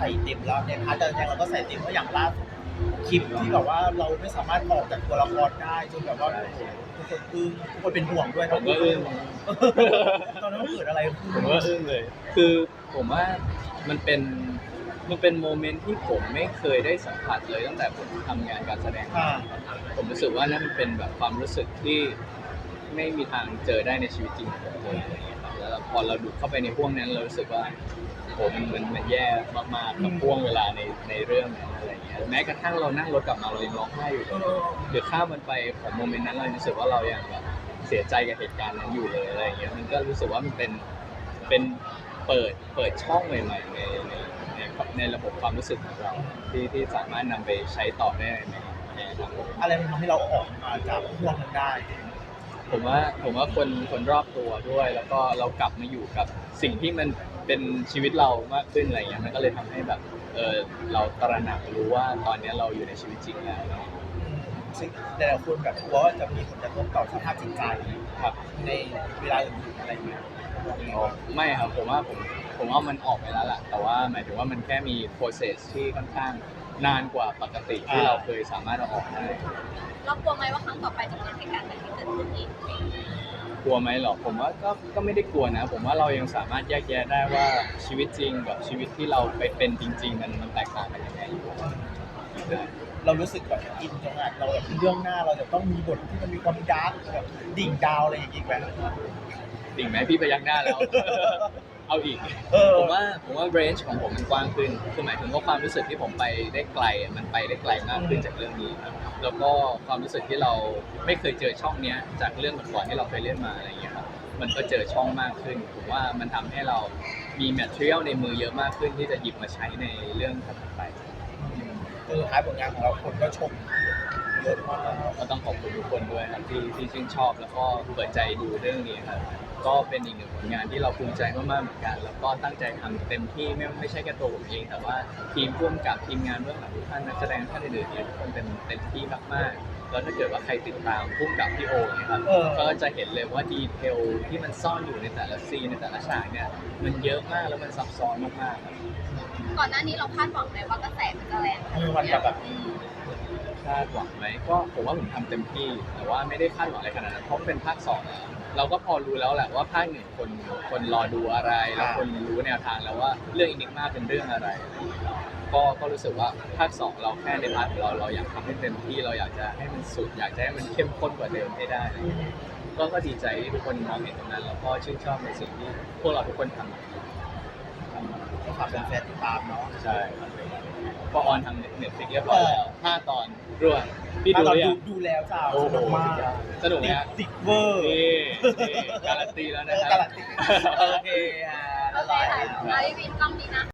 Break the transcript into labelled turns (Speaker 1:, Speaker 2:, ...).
Speaker 1: ส่เต็มแล้วเนี่ยพาร์ทการแสดงเราก็ใส่เต็มเพราะอย่างล่าสุดคลิปที่แบบว่าเราไม่สามารถออกจากตัวละครได้จนแบบว่าทุกคนอึ้งทุกคนเป็นห่วงด้วย
Speaker 2: ผมก็อึ้ง
Speaker 1: ตอนนั้นมันเกิดอะไรขึ้น
Speaker 2: ผมก็อึ้งเลยคือผมว่ามันเป็นโมเมนต์ที่ผมไม่เคยได้สัมผัสเลยตั้งแต่ผมทำงานการแสดงมาผมรู้สึกว่านั่นเป็นแบบความรู้สึกที่ไม่มีทางเจอได้ในชีวิตจริงของผมเลยอะไรอย่างเงี้ยครับแล้วพอเราดูเข้าไปในห่วงนั้นเรารู้สึกว่าผมมันแย่มากๆกับห่วงเวลาในเรื่องนั้นอะไรอย่างเงี้ยแม้กระทั่งเรานั่งรถกลับมาเรายังร้องไห้อยู่เลยเดี๋ยวข้ามมันไปของโมเมนต์นั้นเรารู้สึกว่าเรายังแบบเสียใจกับเหตุการณ์นั้นอยู่เลยอะไรอย่างเงี้ยมันก็รู้สึกว่ามันเป็นเปิดช่องใหม่ๆในระบบความรู้สึกของเราที่สามารถนำไปใช้ต่อได้ในอนาคต
Speaker 1: อะไรมันทำให้เราออกมาจากห่วงนั้นได้
Speaker 2: ผมว่าคนรอบตัวด้วยแล้วก็เรากลับมาอยู่กับสิ่งที่มันเป็นชีวิตเรามากขึ้นอะไรเงี้ยมันก็เลยทำให้แบบเราตระหนักรู้ว่าตอนนี้เราอยู่ในชีวิตจริงแล้ว
Speaker 1: ซึ่งแต่ละคนแบบกลัวว่าจะมีผลกระทบต่อสภาพจิตใจ
Speaker 2: ครับ
Speaker 1: ในเวลาอื่นๆอะไรเงี้ย
Speaker 2: ไม่ครับผมว่ามันออกไปแล้วล่ะแต่ว่าหมายถึงว่ามันแค่มี process ที่ค่อนข้างนานกว่าปกติที่เราเคยสามารถเอาออกได้
Speaker 3: เรากลัวไหมว่าครั้งต่อไปจะเกิดเหตุการณ์แบบนี้เกิดขึ้นอีก
Speaker 2: กลัวไหมหรอผมว่าก็ไม่ได้กลัวนะ ผมว่าเรายังสามารถแยกแยะได้ว่าชีวิตจริงกับชีวิตที่เราไปเป็นจริง ๆ มันแตกต่างกันยังไงอยู่
Speaker 1: เรารู้สึกแบบอินจังอะเราแบบเรื่องหน้าเราจะต้องมีบทที่มันมีความดาร์กแบบดิ่งดาวอะไรอย่างงี้แบบ
Speaker 2: ดิ่งไหมพี่ไปยักหน้าแล้ว เอาอีกผมว่า range ของผมมันกว้างขึ้นคือหมายถึงว่าความรู้สึกที่ผมไปได้ไกลมันไปได้ไกลมากขึ้นจากเรื่องนี้ครับแล้วก็ความรู้สึกที่เราไม่เคยเจอช่องเนี้ยจากเรื่องก่อนๆที่เราเคยเล่นมาอะไรอย่างเงี้ยครับมันก็เจอช่องมากขึ้นผมว่ามันทำให้เรามี material ในมือเยอะมากขึ้นที่จะหยิบมาใช้ในเรื่องถัดไป
Speaker 1: คือท้ายผลงานของเราคนก็ชมเยอะมาก
Speaker 2: ก็ต้องขอบคุณทุกคนด้วยครับที่ชื่นชอบแล้วก็เปิดใจดูเรื่องนี้ครับก็เป็นอีกหนึ่งผลงานที่เราภูมิใจมากๆเหมือนกันแล้วก็ตั้งใจทำเต็มที่ไม่ใช่แค่ตัวผมเองแต่ว่าทีมร่วมกับทีมงานเบื้องหลังทุกท่านนักแสดงท่านอื่นๆเนี่ยทุกคนเต็มที่มากๆแล้วถ้าเกิดว่าใครติดตามร่วมกับพี่โอเนี่ยครับก็จะเห็นเลยว่าดีเทลที่มันซ่อนอยู่ในแต่ละซีนในแต่ละฉากเนี่ยมันเยอะมากแล้วมันซับซ้อนมากๆครับ
Speaker 3: ก่อนหน้านี้เราคาดหวังไหมว่ากระแสมันจะแรงขนาด
Speaker 1: มัน
Speaker 3: นี้
Speaker 1: จะแบบ
Speaker 2: คาดหวังไหมก็ผมว่าผมทำเต็มที่แต่ว่าไม่ได้คาดหวังอะไรขนาดนั้นเพราะมันเป็นภาค2แล้วเราก็พอรู้แล้วแหละว่าภาคหนึ่งคนรอดูอะไรแล้วคนรู้แนวทางแล้วว่าเรื่องอินิกมาเป็นเรื่องอะไรก็รู้สึกว่าภาค2เราแค่ในพาร์ทของเราอยากทำให้เต็มที่เราอยากจะให้มันสุดอยากจะให้มันเข้มข้นกว่าเดิมให้ได้ก็ดีใจที่ทุกคนมองเห็นตรงนั้นแล้วก็ชื่นชอบในสิ่งที่พวกเราทุกคนทำ
Speaker 1: ก็ฝากแฟนๆติดตามเนาะ
Speaker 2: ใช่ครับก็ออนทางเน็ตฟลิกเรียบร้อยแล้ว5 ตอนรวดพี่ดูหรือยัง
Speaker 1: ดูแล้วจ้า
Speaker 2: โอ้โห
Speaker 1: มาก
Speaker 2: สนุกไหมฮะ
Speaker 1: ติดเวอร์
Speaker 2: นี่การันตีแล้วนะครั
Speaker 1: การันตีโอเค
Speaker 3: โอเคค่ะมาวินกล้องนี้นะ